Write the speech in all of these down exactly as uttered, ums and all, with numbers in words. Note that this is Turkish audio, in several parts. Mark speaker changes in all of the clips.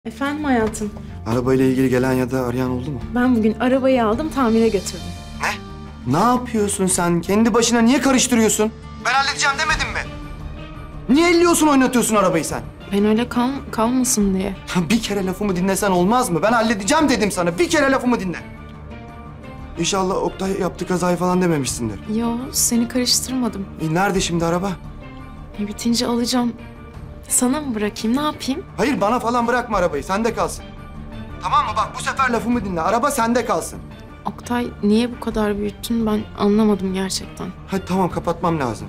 Speaker 1: Efendim hayatım.
Speaker 2: Arabayla ilgili gelen ya da arayan oldu mu?
Speaker 1: Ben bugün arabayı aldım, tamire götürdüm.
Speaker 2: Ne? Ne yapıyorsun sen? Kendi başına niye karıştırıyorsun? Ben halledeceğim demedim mi? Niye elliyorsun, oynatıyorsun arabayı sen?
Speaker 1: Ben öyle kal kalmasın diye.
Speaker 2: Bir kere lafımı dinlesen olmaz mı? Ben halledeceğim dedim sana. Bir kere lafımı dinle. İnşallah Oktay yaptı kazayı falan dememişsindir.
Speaker 1: Yo, seni karıştırmadım.
Speaker 2: E nerede şimdi araba?
Speaker 1: E, bitince alacağım. Sana mı bırakayım, ne yapayım?
Speaker 2: Hayır, bana falan bırakma arabayı. Sende kalsın. Tamam mı? Bak bu sefer lafımı dinle. Araba sende kalsın.
Speaker 1: Oktay, niye bu kadar büyüttün ben anlamadım gerçekten.
Speaker 2: Hadi tamam, kapatmam lazım.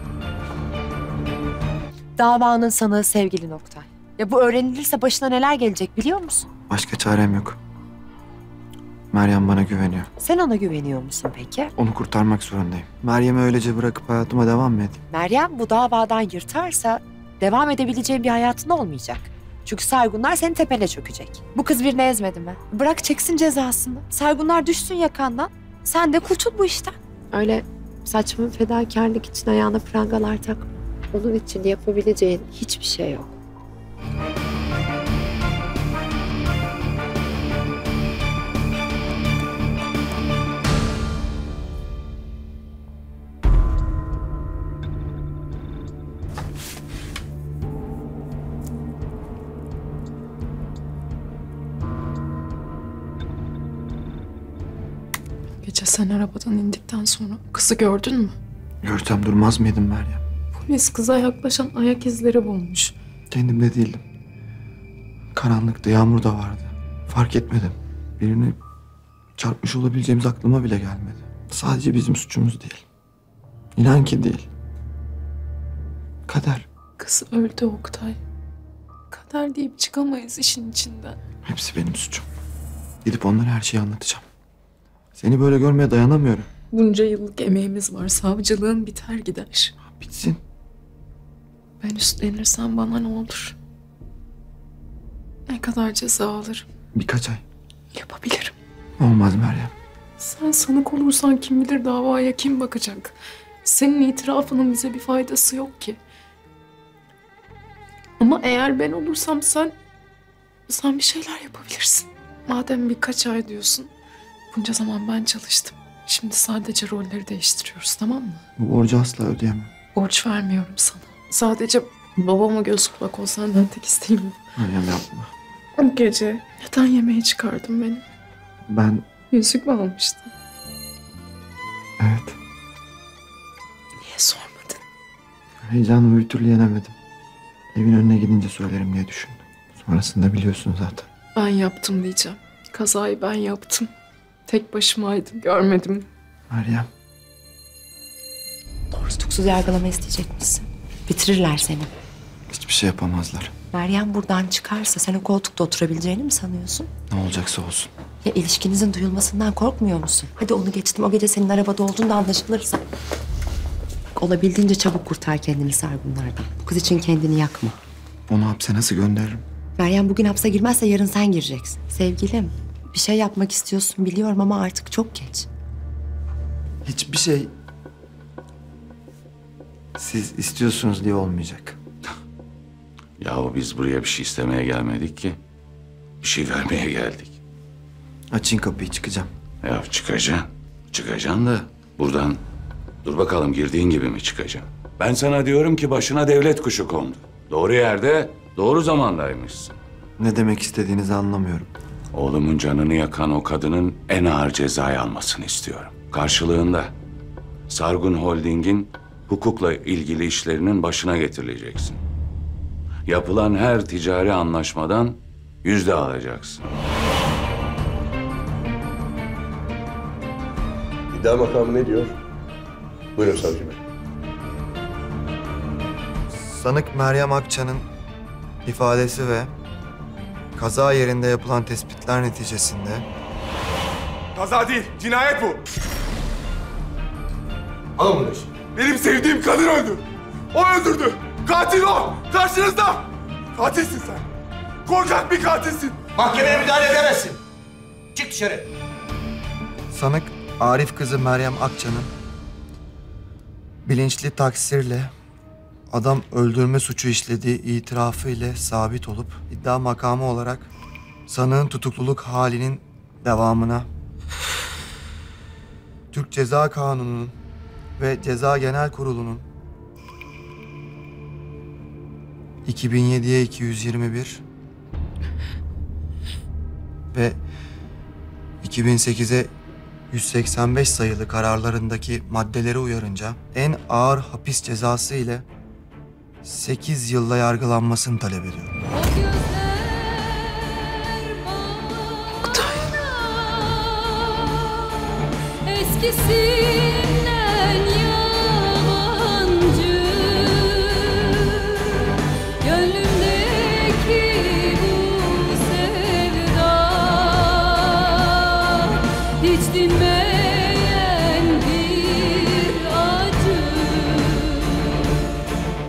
Speaker 3: Davanın sanığı sevgili Oktay. Ya bu öğrenilirse başına neler gelecek biliyor musun?
Speaker 2: Başka çarem yok. Meryem bana güveniyor.
Speaker 3: Sen ona güveniyor musun peki?
Speaker 2: Onu kurtarmak zorundayım. Meryem'i öylece bırakıp hayatıma devam mı edeyim?
Speaker 3: Meryem bu davadan yırtarsa devam edebileceğin bir hayatın olmayacak. Çünkü Saygunlar senin tepene çökecek. Bu kız birini ezmedi mi? Bırak çeksin cezasını. Saygunlar düşsün yakandan. Sen de kurtul bu işten. Öyle saçma fedakarlık için ayağına prangalar takma. Onun için yapabileceğin hiçbir şey yok.
Speaker 1: Gece sen arabadan indikten sonra kızı gördün mü?
Speaker 2: Görsem durmaz mıydım Meryem?
Speaker 1: Polis kıza yaklaşan ayak izleri bulmuş.
Speaker 2: Kendimde değildim. Karanlıkta, yağmur da vardı. Fark etmedim. Birini çarpmış olabileceğimiz aklıma bile gelmedi. Sadece bizim suçumuz değil. İnan ki değil. Kader.
Speaker 1: Kız öldü Oktay. Kader deyip çıkamayız işin içinden.
Speaker 2: Hepsi benim suçum. Gidip onlara her şeyi anlatacağım. Seni böyle görmeye dayanamıyorum.
Speaker 1: Bunca yıllık emeğimiz var. Savcılığın biter gider.
Speaker 2: Bitsin.
Speaker 1: Ben üstlenirsem bana ne olur? Ne kadar ceza alırım?
Speaker 2: Birkaç ay.
Speaker 1: Yapabilirim.
Speaker 2: Olmaz Meryem.
Speaker 1: Sen sanık olursan kim bilir davaya kim bakacak? Senin itirafının bize bir faydası yok ki. Ama eğer ben olursam sen... Sen bir şeyler yapabilirsin. Madem birkaç ay diyorsun... Bunca zaman ben çalıştım. Şimdi sadece rolleri değiştiriyoruz, tamam mı?
Speaker 2: Bu borcu asla ödeyemem.
Speaker 1: Borç vermiyorum sana. Sadece babama göz kulak ol, senden tek isteğim bu.
Speaker 2: Meryem yapma.
Speaker 1: O gece neden yemeğe çıkardın beni?
Speaker 2: Ben...
Speaker 1: Yüzük mü almıştın?
Speaker 2: Evet.
Speaker 1: Niye sormadın?
Speaker 2: Heyecanımı bir türlü yenemedim. Evin önüne gidince söylerim diye düşündüm. Sonrasında biliyorsun zaten.
Speaker 1: Ben yaptım diyeceğim. Kazayı ben yaptım. Tek başımaydım, görmedim.
Speaker 2: Meryem.
Speaker 3: Doğru tutuksuz yargılama isteyecekmişsin. Bitirirler seni.
Speaker 2: Hiçbir şey yapamazlar.
Speaker 3: Meryem buradan çıkarsa sen o koltukta oturabileceğini mi sanıyorsun?
Speaker 2: Ne olacaksa olsun.
Speaker 3: Ya ilişkinizin duyulmasından korkmuyor musun? Hadi onu geçtim. O gece senin arabada olduğunda anlaşılırsa. Bak, olabildiğince çabuk kurtar kendini Sargunlardan. Bu kız için kendini yakma.
Speaker 2: Onu hapse nasıl gönderirim?
Speaker 3: Meryem bugün hapse girmezse yarın sen gireceksin. Sevgilim, bir şey yapmak istiyorsun biliyorum ama artık çok geç.
Speaker 2: Hiçbir şey... Siz istiyorsunuz diye olmayacak.
Speaker 4: Yahu biz buraya bir şey istemeye gelmedik ki. Bir şey vermeye geldik.
Speaker 2: Açın kapıyı, çıkacağım.
Speaker 4: Ya çıkacaksın. Çıkacaksın da buradan dur bakalım girdiğin gibi mi çıkacaksın? Ben sana diyorum ki başına devlet kuşu kondu. Doğru yerde, doğru zamandaymışsın.
Speaker 2: Ne demek istediğinizi anlamıyorum.
Speaker 4: Oğlumun canını yakan o kadının en ağır cezayı almasını istiyorum. Karşılığında Sargun Holding'in hukukla ilgili işlerinin başına getirileceksin. Yapılan her ticari anlaşmadan yüzde alacaksın.
Speaker 5: İddia makamı ne diyor? Buyurun savcı bey.
Speaker 2: Sanık Meryem Akça'nın ifadesi ve kaza yerinde yapılan tespitler neticesinde...
Speaker 6: Kaza değil, cinayet bu.
Speaker 5: Alın bunu.
Speaker 6: Benim sevdiğim kadın öldü. O öldürdü. Katil o. Karşınızda. Katilsin sen. Korkak bir katilsin.
Speaker 5: Mahkemeye müdahale edemezsin. Çık dışarı.
Speaker 2: Sanık Arif kızı Meryem Akça'nın bilinçli taksirle adam öldürme suçu işlediği itirafı ile sabit olup iddia makamı olarak sanığın tutukluluk halinin devamına Türk Ceza Kanunu'nun ve Ceza Genel Kurulu'nun iki bin yediye iki yüz yirmi bir ve iki bin sekize yüz seksen beş sayılı kararlarındaki maddeleri uyarınca en ağır hapis cezası ile sekiz yılla yargılanmasını talep ediyorum.
Speaker 7: Eskisi